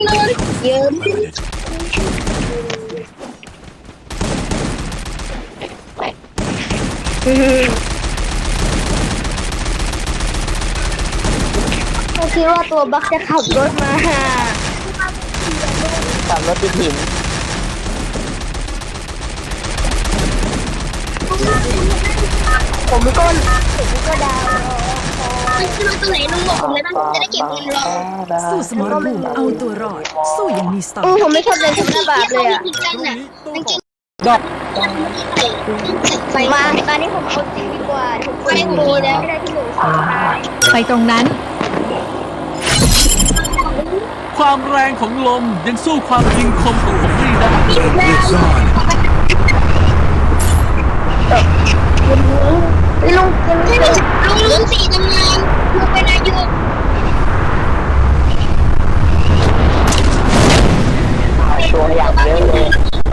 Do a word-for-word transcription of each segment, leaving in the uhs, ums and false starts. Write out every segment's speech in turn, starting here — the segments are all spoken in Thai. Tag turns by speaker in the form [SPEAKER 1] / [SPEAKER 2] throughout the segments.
[SPEAKER 1] เยอะเขาคิดว่าตัวบักจะขับรถมา
[SPEAKER 2] ขับรถติดหิน
[SPEAKER 1] ผมก็ผมก็ดาวมันขึ้นมาตัวไหนลุงบอกผมเลยนะจะได้เก็บเงินรอ
[SPEAKER 3] สู้สมรภูมิเอาตัวรอดสู้อย่างมีสติ
[SPEAKER 1] ผมไม่ชอบเล่นกับหน้าบาปเลยอ่ะ
[SPEAKER 2] ดอก
[SPEAKER 1] มาตอนนี้ผมเอาจริงดีกว่าผมไปผมดีแล้วไม่ได้ที่หนูสาย
[SPEAKER 3] ไปตรงนั้น
[SPEAKER 4] ความแรงของลมยังสู้ความยิงคมของผมไม่ได้
[SPEAKER 1] ลุงไม่มีลุงลุงสี่ทำงานลุงเป็นอายุ
[SPEAKER 2] ชัวร์อย่างเยอะเลย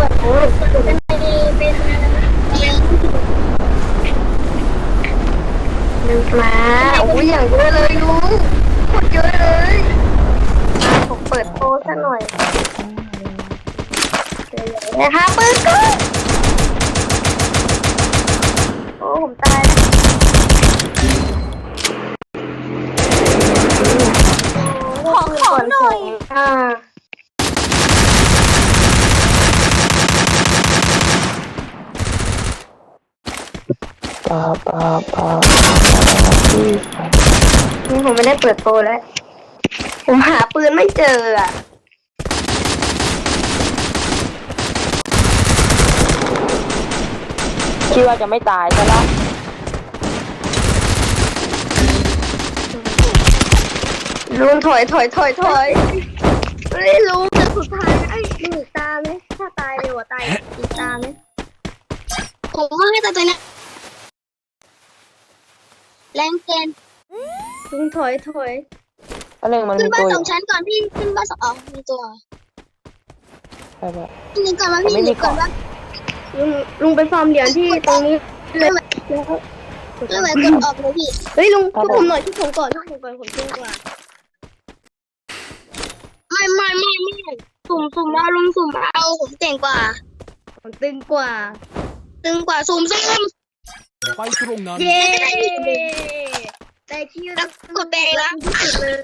[SPEAKER 1] มาโอ้ยอย่างเยอะเลยลุงหมดเยอะเลยผมเปิดโพสซะหน่อยนะคะปืนก็โอ้ผมตายขอขอหน่อยอ่า
[SPEAKER 2] ปาปาปา
[SPEAKER 1] นี่ผมไม่ได้เปิดโปรแล้วผมหาปืนไม่เจออ่ะ
[SPEAKER 2] คิดว่าจะไม่ตายใช่ไหม
[SPEAKER 1] ลุงถอยถอยถอยถอยเฮ้ยลุงจะสุดท้ายไอ้หนึ่งตาไหมถ้าตายเลยหัวตายอีกตาไหมผมว่าให้ตาตัวนี้แรงเกินลุงถอยถอย
[SPEAKER 2] อะไรมัน
[SPEAKER 1] ขึ้นบ้าน
[SPEAKER 2] มีตัว
[SPEAKER 1] สองชั้นก่อนพี่ขึ้นบ้านสองอ๋อมีตัว
[SPEAKER 2] ใช่ไหม
[SPEAKER 1] นี่ก่อนว่าพี่หนีก่อนว่าลุงลุงไปฟาร์มเหรียญที่ตรงนี้เลยแล้วแล้วแบบกดออกเลยพี่เฮ้ยลุงช่วยผมหน่อยช่วยผมก่อนช่วยผมก่อนผมเก่งกว่าไม่ไม่ไม่ไม่สุ่มสุ่มเอาลุงสุ่มเอาผมเก่งกว่าผมตึงกว่าตึงกว่าสุ่มสุ่ม
[SPEAKER 4] ไปตรงนั้น
[SPEAKER 1] เย้แต่คิวแล้วกดแบงแล้วเลย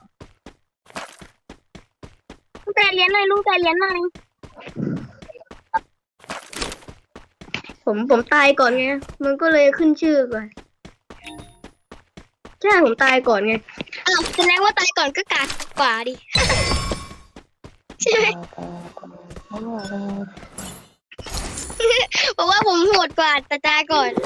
[SPEAKER 1] ลุงแต่เลี้ยนหน่อยลุงแต่เลี้ยนหน่อยผมผมตายก่อนไงมันก็เลยขึ้นชื่อก่อนใช่ผมตายก่อนไงอ้าวแสดงว่าตายก่อนก็กากกว่าดิใช่ไหมเพราะว่าผมโหดกว่าแต่ตายก่อน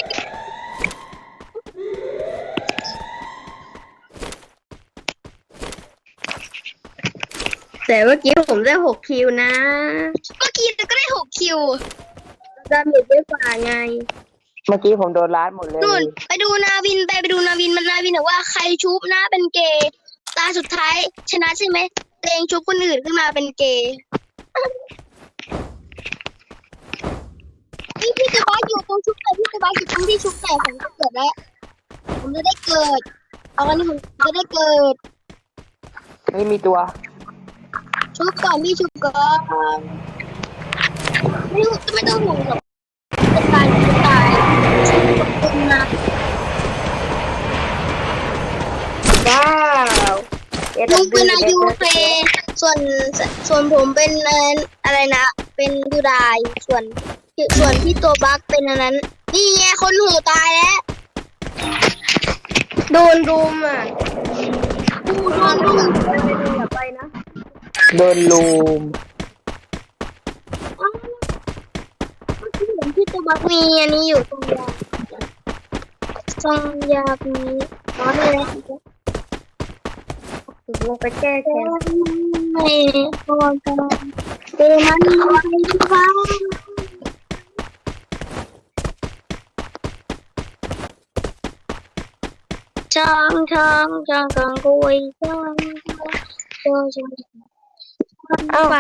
[SPEAKER 1] แต่เมื่อกี้ผมได้หกคิวนะเมื่อกี้ก็ได้หกคิวดาเมจเยอะกว่าไง
[SPEAKER 2] เมื่อกี้ผมโดนล้านหมดเลย
[SPEAKER 1] นู่นไปดูนาวินไปไปดูนาวินมันนาวินบอกว่าใครชุบนะเป็นเกย์ตาสุดท้ายชนะใช่ไหมตัวเองชุบคนอื่นขึ้นมาเป็นเกย์พี่พี่จะบ้าอยู่ตรงชุบไหนพี่จะบ้าอยู่ตรงที่ชุบไหนผมจะเกิดแล้วผมจะได้เกิดเอาวันนี้ผมจะได้เกิด
[SPEAKER 2] ไม่มีตัว
[SPEAKER 1] ชุบก่อนพี่ชุบก่อนไม่ต้องไม่ต้องห่วงหรอกจะตายจะตายชุบนะว้าวลุงเป็นอายุเฟส่วนส่วนผมเป็นอะไรนะเป็นยูไดส่วนส่วนพี่ตัวบักเป็นอันนั้นนี่ไงคนหูตายแล้วโดนรุมอ่ะโดนรุมอย่าไปนะ
[SPEAKER 2] โดนลูม
[SPEAKER 1] พี่ตัวบักมีอันนี้อยู่ตรงยาตรงยาตรงนี้น้อยเลยลงไปแก้แค้นไม่พอกันเดมันไม่ฟังช่างช่างช่างกังกุยช่างช่างช่าง
[SPEAKER 2] อ้าว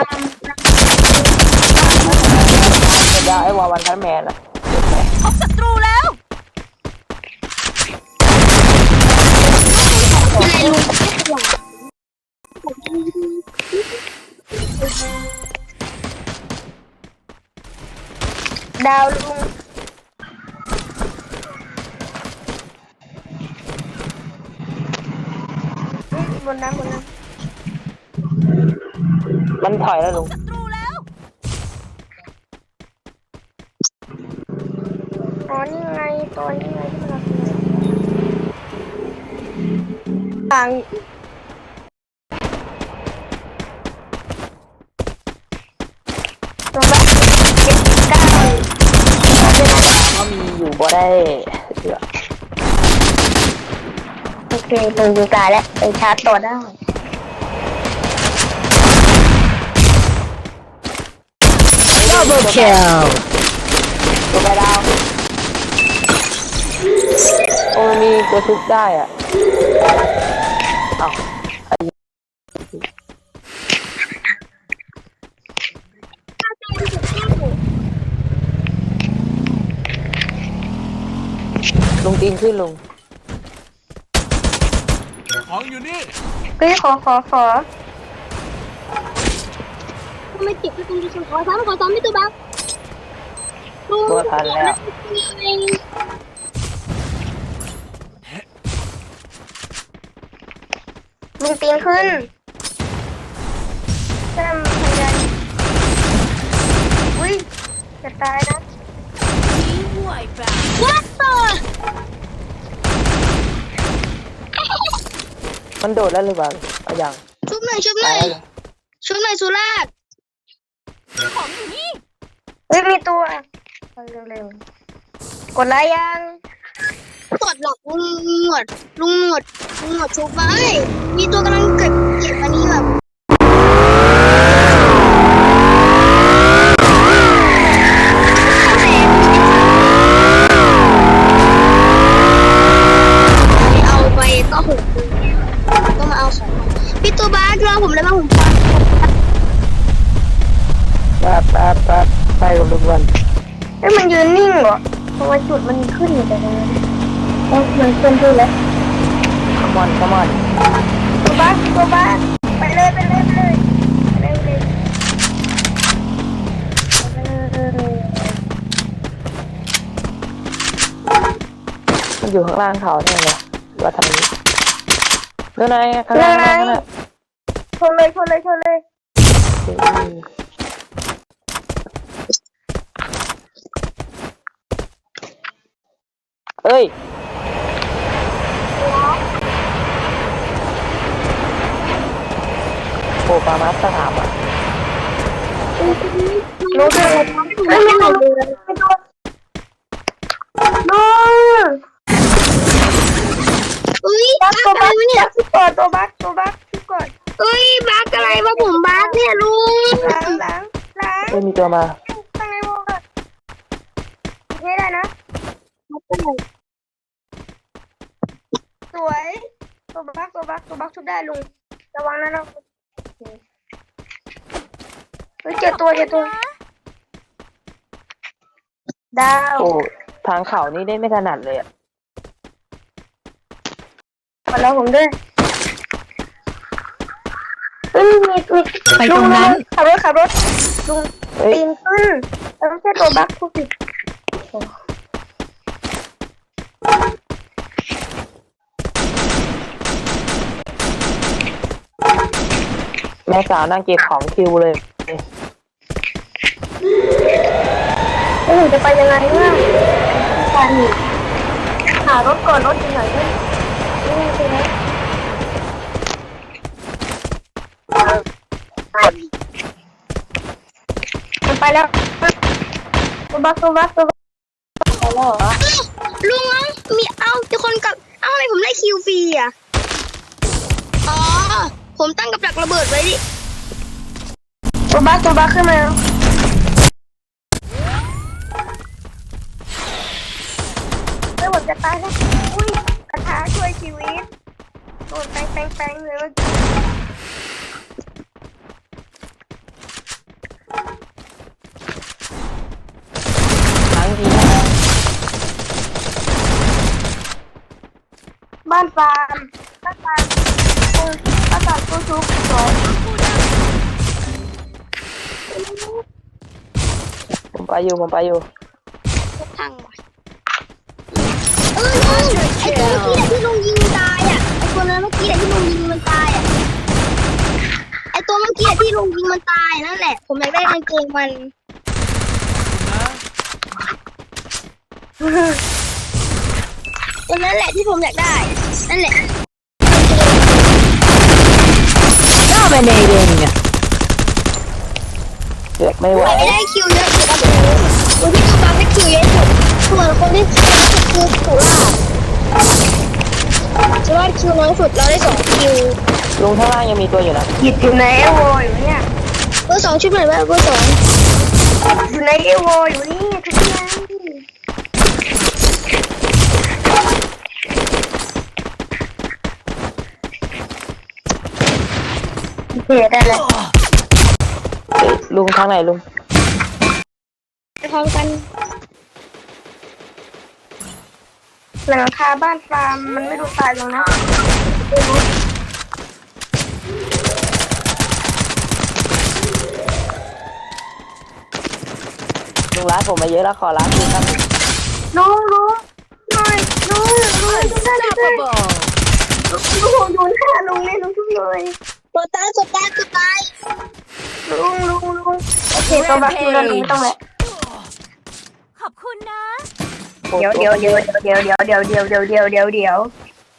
[SPEAKER 2] จะได้ไอ้วาวันทันแมนอะ
[SPEAKER 3] พบศัตรูแล้ว
[SPEAKER 1] อะไรลุงดาวลุงบนน้ำบนน้ำ
[SPEAKER 2] มันถอยแล้วลุง
[SPEAKER 1] อ๋อนี่ไงตัวนี้ไงที่มันต่างตัวละเจ็ดสิบเก้า
[SPEAKER 2] ก็มีอยู่บ่ได้เสือ
[SPEAKER 1] โอเคตรงอยู่กลางแล้วไปชาร์จต่อได้
[SPEAKER 3] Double kill
[SPEAKER 2] ตัวไปดาวโอ้มีตัวทุบได้อ่ะเอ้าลุงตีนขึ้นลุง
[SPEAKER 4] ของอยู่นี่
[SPEAKER 1] เฮ้ยขอขอขอไม่ติดก็ต้องดูขอซ้ำขอซ้ำไม่ตัวบ้า
[SPEAKER 2] ตัวทันแล้ว
[SPEAKER 1] ลุงตีนขึ้นแซมพยายามอุ้ยจะตายนะวัดต่อ
[SPEAKER 2] มันโดดแล้วหรือเปล่าเอาอย่าง
[SPEAKER 1] ชุบหน่อยชุบห
[SPEAKER 2] ตา
[SPEAKER 1] น่อย
[SPEAKER 2] ยแล้ว
[SPEAKER 1] ชุบหน่อยสุราษฎร์ของอยู่นี่เฮ้ยมีตัวเร็วๆกดไลค์ยังกดหลอกลุงหนวดลุงหนวดลุงหนวดชุบมาเอ้ยมีตัวกำลังเก็บเก็บอันนี้แบบเอาไปก็หกก็มาเอาของพี่ตัวบ้ารอผมเลยมาผมฟัง
[SPEAKER 2] แป๊บแป๊บแป๊บไปกับลุงวัน
[SPEAKER 1] เอ้ยมันยืนนิ่งเหรอเพราะว่าจุดมันขึ้นอยู่แต่ตรงนั้นเอ้ยมันขึ้นขึ้นแล้ว
[SPEAKER 2] ขมอนขมอน
[SPEAKER 1] ตัวบ้านตัวบ้านไปเลยไปเลยไปเลยไปเลยไปเลยไปเลย
[SPEAKER 2] มันอยู่ข้างล่างเขาเนี่ยเลยว่าทำนี้เรื่องไหนข้างล่างข้างล่างน่ะ
[SPEAKER 1] ชนเลยชนเลยชนเลย
[SPEAKER 2] เอ้ยโอ้ปามาสถามอ่ะ
[SPEAKER 1] รู้ด้วยไม่ไม่เอาเลยไม่โดนน้องอุ้ยบักตัวบักเนี่ยที่ก่อนตัวบักตัวบักที่ก่อนเอ้ยบักอะไรวะผมบักเนี่ยลุงล้างล้างล้าง
[SPEAKER 2] เอ้ยมีตัวมา
[SPEAKER 1] ข้างในวงอะไม่ได้นะสวยตัวบักตัวบักตัวบักชุบได้ลุงระวังนะเราเฮ้ยเจอตัวเจอตัวดาว
[SPEAKER 2] โอ้ทางเขานี่ได้ไม่ถนัดเลยอ่ะ
[SPEAKER 1] ขอเราผมด้วยเฮ้ยมีมี
[SPEAKER 3] ไปตรงนั้น
[SPEAKER 1] ขับรถขับรถลุง
[SPEAKER 2] เอ้ย
[SPEAKER 1] ปีนขึ้นแล้วไม่ใช่ตัวบักผู้ผิด
[SPEAKER 2] แม่สาวนั่งเก็บของคิวเลย
[SPEAKER 1] แล้วหนูจะไปยังไงเนี่ยการหนีหารถก่อนรถอยู่ไหนเนี่ยนี่ใช่ไหมมันไปแล้วตัวบักตัวบักตัวบักไปแล้วเหรอลุงเอ้ามีเอ้ามีคนกับเอ้าอะไรผมได้คิวฟรีอ่ะอ๋อผมตั้งกับดักระเบิดไว้ดิตัวบักตัวบักขึ้นมาไม่หมดจะตายแล้วอุ้ยกระทะช่วยชีวิตโดนแป้งแป้งแป้งเลยว่า
[SPEAKER 2] ล้างดี
[SPEAKER 1] บ้านฟาร์มบ้านฟาร์มบ้านฟาร์มตัวชุบสอง
[SPEAKER 2] ไปอยู่ผมไปอยู่
[SPEAKER 1] ทางว่ะเออลุงไอ้ตัวเมื่อกี้แหละที่ลุงยิงมันตายอ่ะไอ้ตัวนั้นเมื่อกี้แหละที่ลุงยิงมันตายอ่ะไอ้ตัวเมื่อกี้แหละที่ลุงยิงมันตายนั่นแหละผมอยากได้กางเกงมันตัวนั้นแหละที่ผมอยากได้นั่นแหละ
[SPEAKER 3] Dominating
[SPEAKER 2] เกือบไม่ไหว
[SPEAKER 1] ไม่ได้คิวเยอะสุดแล้วคนที่ตัวบัฟได้คิวเยอะสุดส่วนคนที่คิวคือสุราสุราคิวน้อยสุดเราได้สองคิว
[SPEAKER 2] ลุงข้างล่างยังมีตัวอยู่นะ
[SPEAKER 5] หยิบอยู่ในเอโวอยู่เนี่ย
[SPEAKER 1] เบอร์สองชุดหน่อยว่าเบอร์สอง
[SPEAKER 5] อยู่ในเอโวอยู่นี่ทุกอย่างโอเคได้แล้ว
[SPEAKER 2] เอ้ยลุงทางไหนลุง
[SPEAKER 1] ไปพร้อมกัน
[SPEAKER 5] หลังคาบ้านฟาร์มมันไม่ดูตายลงนะ
[SPEAKER 2] ลุงร้านผมมาเยอะแล้วขอร้านคืนครับ
[SPEAKER 5] ลุงลุงหน่อยลุงลุงได้ได้ได้ลุงผมอยู่หน้าลุงเลยลุงทุกเลย
[SPEAKER 1] ตัวตายตัวตายตัวตาย
[SPEAKER 5] ลุงลุงลุงโอเคตัวบักอยู่แล้วลุงไม่ต้องแล้ว
[SPEAKER 3] ขอบคุณนะ
[SPEAKER 5] เดี๋ยวเดี๋ยวเดี๋ยวเดี๋ยวเดี๋ยวเดี๋ยวเดี๋ยวเดี๋ยวเดี๋ยวเดี๋ยวเดี๋ยว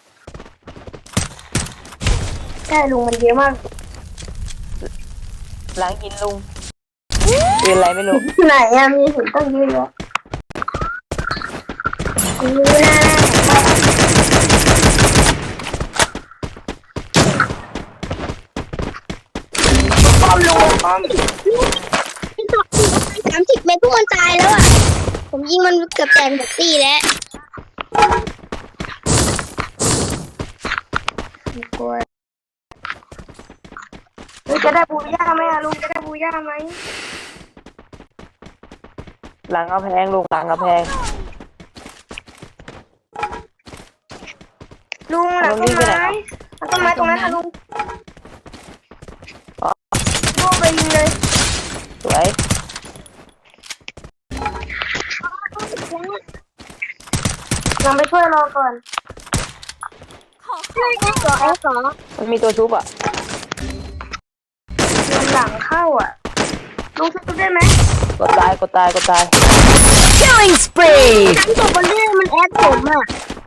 [SPEAKER 5] ใช่ลุงมันเยอะมาก
[SPEAKER 2] หลังกินลุงเป็นอะไรไม่รู้
[SPEAKER 5] ไหนอะมีหุ่นตั้งเยอะแยะนี่นะป้อมลุงป้อม
[SPEAKER 1] สามสิบเมตรพวกมันตายแล้วอ่ะผมยิงมันเกือบแตกหมดตีแล้ว
[SPEAKER 5] กลัวลุงจะได้บูย่าไหมอะลุงจะได้บูย่าไหม
[SPEAKER 2] หลังกระแพงลุงหลังกระแพง
[SPEAKER 5] ลุงหลังต้นไม้หลังต้นไม้ตรงนั้นค่ะลุงลุงไปยิงเลย
[SPEAKER 2] สวย
[SPEAKER 5] ยังไปช่วยรอก่อน
[SPEAKER 1] ใช่ไอ้สองไอ้สอง
[SPEAKER 2] มันมีตัวชุบอ่ะ
[SPEAKER 5] โดนหลังเข้าอ่ะลุงช่วยได้ไหม
[SPEAKER 2] กดตายกดตายกดตาย
[SPEAKER 3] Killing spree
[SPEAKER 1] ทั้งตัวบอลเล่มันแอดผมอ่ะ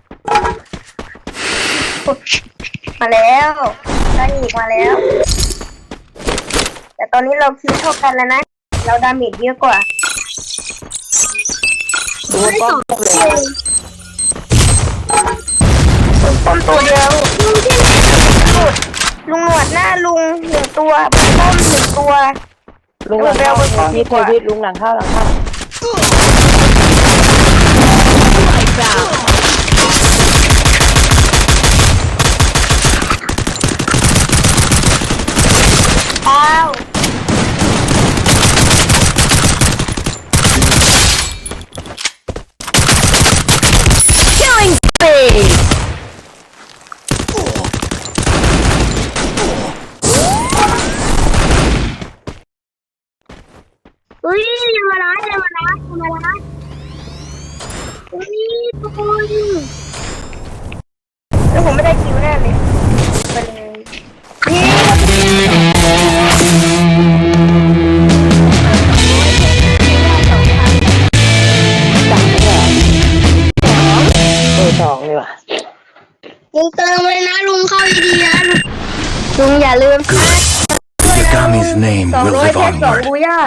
[SPEAKER 5] มาแล้วได้อีกมาแล้ว แต่ตอนนี้เราคิวเท่ากันแล้วนะ เราดาเมจเยอะกว่า
[SPEAKER 2] ดูป้อมเลย
[SPEAKER 5] ป้อมตัวเดียวลุงที่ไหนลุงลุงหนวดหน้าลุงหนึ่งตัวป้อมหนึ่งตัว
[SPEAKER 2] ลุงหลังเข้าพิษเทพิษลุงหลังเข้าหลังเข้า
[SPEAKER 5] อ้าว
[SPEAKER 3] Killing spree
[SPEAKER 1] เฮ้ยอย่ามาล้าอย่ามาล้าอย่ามาล้าเฮ้ยทุกคน
[SPEAKER 5] แล้วผมไม่ได้คิวแน่เลยไปเลยนี่
[SPEAKER 2] เออสองเลยว่ะ
[SPEAKER 1] ลุงเติมเลยนะลุงเข้าดีๆนะลุง
[SPEAKER 5] ลุงอย่าลืมนะ
[SPEAKER 6] Yagami's name
[SPEAKER 5] สอง
[SPEAKER 6] will
[SPEAKER 5] ร้อย
[SPEAKER 6] live
[SPEAKER 5] เพชรสอง
[SPEAKER 6] onward.
[SPEAKER 5] บูย่า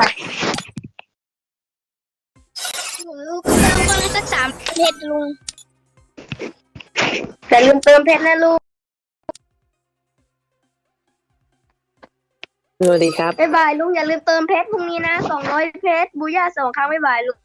[SPEAKER 1] ผมลูกเติมก็เลยสักสามเพชรลุง
[SPEAKER 5] แต่ลืมเติมเพชรนะลูก
[SPEAKER 2] สวัสดีครับ
[SPEAKER 5] บ๊ายบายลุงอย่าลืมเติมเพชรพรุ่งนี้นะสองร้อยเพชรบูย่าสองครั้งบ๊ายบายลูก